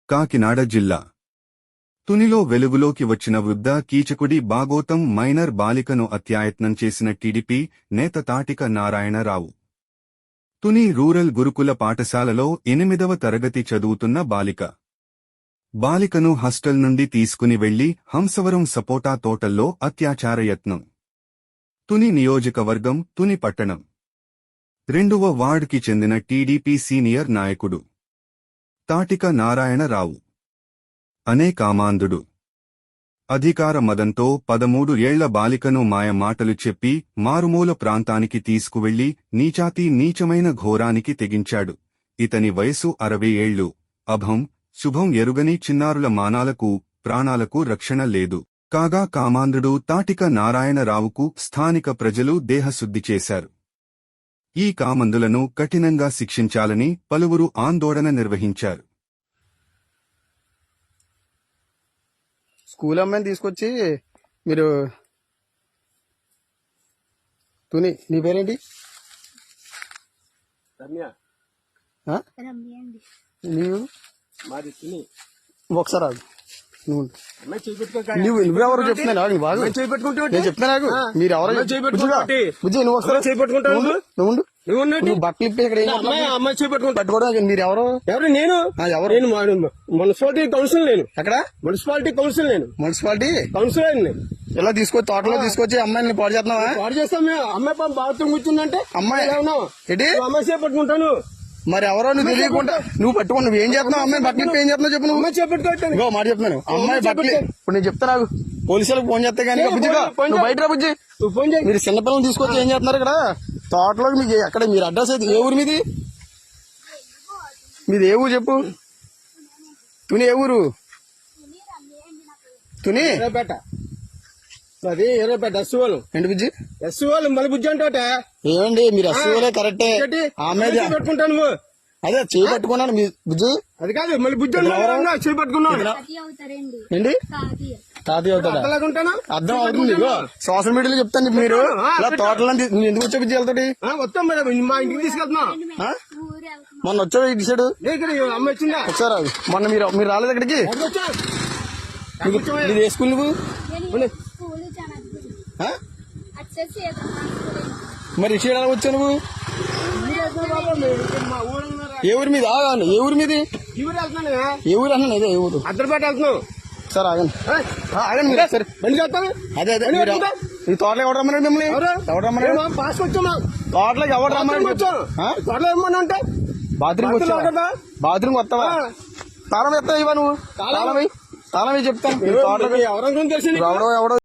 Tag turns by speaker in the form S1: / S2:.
S1: కాకినాడ జిల్లా తునిలో వెలుగులోకి వచ్చిన వృద్ధ కీచకుడి బాగోతం మైనర్ బాలికను అత్యాయత్నం చేసిన టీడీపీ నేత తాటిక నారాయణరావు. తుని రూరల్ గురుకుల పాఠశాలలో 8వ తరగతి చదువుతున్న బాలికను హాస్టల్ నుండి తీసుకుని వెళ్లి హంసవరం సపోటా తోటల్లో అత్యాచార యత్నం. తుని నియోజకవర్గం తుని పట్టణం 2వ వార్డుకి చెందిన టీడీపీ సీనియర్ నాయకుడు తాటిక నారాయణరావు అనే కామాంధుడు అధికార మదంతో 13 ఏళ్ల బాలికను మాయ మాటలు చెప్పి మారుమూల ప్రాంతానికి తీసుకువెళ్లి నీచమైన ఘోరానికి తెగించాడు. ఇతని వయసు 60 ఏళ్లు. అభం శుభం ఎరుగని చిన్నారుల మానాలకు ప్రాణాలకు రక్షణ లేదు. కాగా కామాంధుడు తాటిక నారాయణరావుకు స్థానిక ప్రజలు దేహశుద్ధి చేశారు. ఈ కామందులను కఠినంగా శిక్షించాలని పలువురు ఆందోళన నిర్వహించారు.
S2: స్కూల్ అమ్మాయిని తీసుకొచ్చి మీరు తుని నీ పేరేంటి? నీవు ఒకసారి ఆగు. నువ్వెవరు చెప్తున్నా బాగా నేను చెప్తున్నా నాకు మీరు ఎవరో బుజ్జి నువ్వు ఒకసారి నువ్వు బట్టలు ఇప్పి ఇక్కడ పట్టుకోవడం మీరు ఎవరు?
S3: నేను మున్సిపాలిటీ కౌన్సిల్. నేను ఎక్కడ మున్సిపాలిటీ కౌన్సిల్. నేను మున్సిపాలిటీ కౌన్సిలర్.
S2: ఇలా తీసుకొచ్చి తోటలో తీసుకొచ్చి అమ్మాయిని పాడు చేస్తున్నావా?
S3: పాడు చేస్తాం. అమ్మాయి బాత్రూమ్ కూర్చుందంటే
S2: అమ్మాయి
S3: ఏంటి అమ్మాయి చేపట్టుకుంటాను.
S2: మరి ఎవరో నువ్వు తెలియకుండా నువ్వు పట్టుకుని నువ్వు ఏం చేస్తున్నావు? అమ్మాయి బట్టలు ఏం చేస్తున్నావు చెప్పు. నువ్వు
S3: చేపట్టుకోవట్టాను
S2: మాట చెప్తున్నాను. అమ్మాయి బట్టలు ఇప్పుడు నేను చెప్తా నాకు పోలీసులకు ఫోన్ చేస్తే కానీ నువ్వు బయట రా బుజ్జి. మీరు చిన్నపిల్లలు తీసుకొచ్చి ఏం చేస్తున్నారు ఇక్కడ తోటలోకి? మీకు ఎక్కడ మీరు అడ్రస్ అయితే ఏ ఊరు మీది? ఏ ఊరు చెప్పు. తుని ఏ ఊరు? తుని
S3: అది ఎర్రపేట ఎస్సీఓలు.
S2: ఏంటి బుజ్జి?
S3: ఎస్సీఓలు మళ్ళీ బుజ్జి అంటే
S2: ఏమండి మీరు ఎస్సీఓలే కరెక్టే. ఆమె
S3: పెట్టుకుంటాను నువ్వు
S2: అదే చేయి పట్టుకున్నాను మీ బుజ్జి.
S3: అది కాదు మళ్ళీ బుజ్జి చేయి పట్టుకున్నావు.
S2: ఏంటి తాతయ్య అవుతాడా? అర్థం అవుతుంది. సోషల్ మీడియాలో చెప్తాను. మీరు ఇలా తోటలో ఎందుకు వచ్చే బుజ్జి వెళ్తాడు?
S3: వస్తాం మేడం మా ఇంటికి తీసుకెళ్తున్నా.
S2: మొన్న వచ్చావు ఇటు సైడ్
S3: అమ్మ వచ్చిందా?
S2: వచ్చారు మొన్న మీరు రాలేదు ఇక్కడికి? మీరు ఏ స్కూల్ నువ్వు? మరి ఇటు సైడ్ ఎలా వచ్చావు నువ్వు? ఏ ఊరి మీద? ఏ ఊరి మీది? ఏ ఊరు అన్నా ఇదే ఏ ఊరు?
S3: అద్దరిపేట వెళ్తున్నావు.
S2: సార్ ఆగండి ఆగండి మీరు సరే అదే అదే ఈ తోటలో ఎవరు రమ్మన్నాడు మిమ్మల్ని? ఎవరు రమ్మన్నాడు?
S3: పాస్ వచ్చామా
S2: తోటలోకి ఎవరు రమ్మన్నాడు?
S3: తోటలో ఏమన్నా అంటే
S2: బాత్రూమ్ వచ్చావా? బాత్రూమ్ వస్తావా? తాళం ఎత్తావా నువ్వు? తాళం చెప్తాను.
S3: ఎవరో తెలిసి
S2: ఎవడో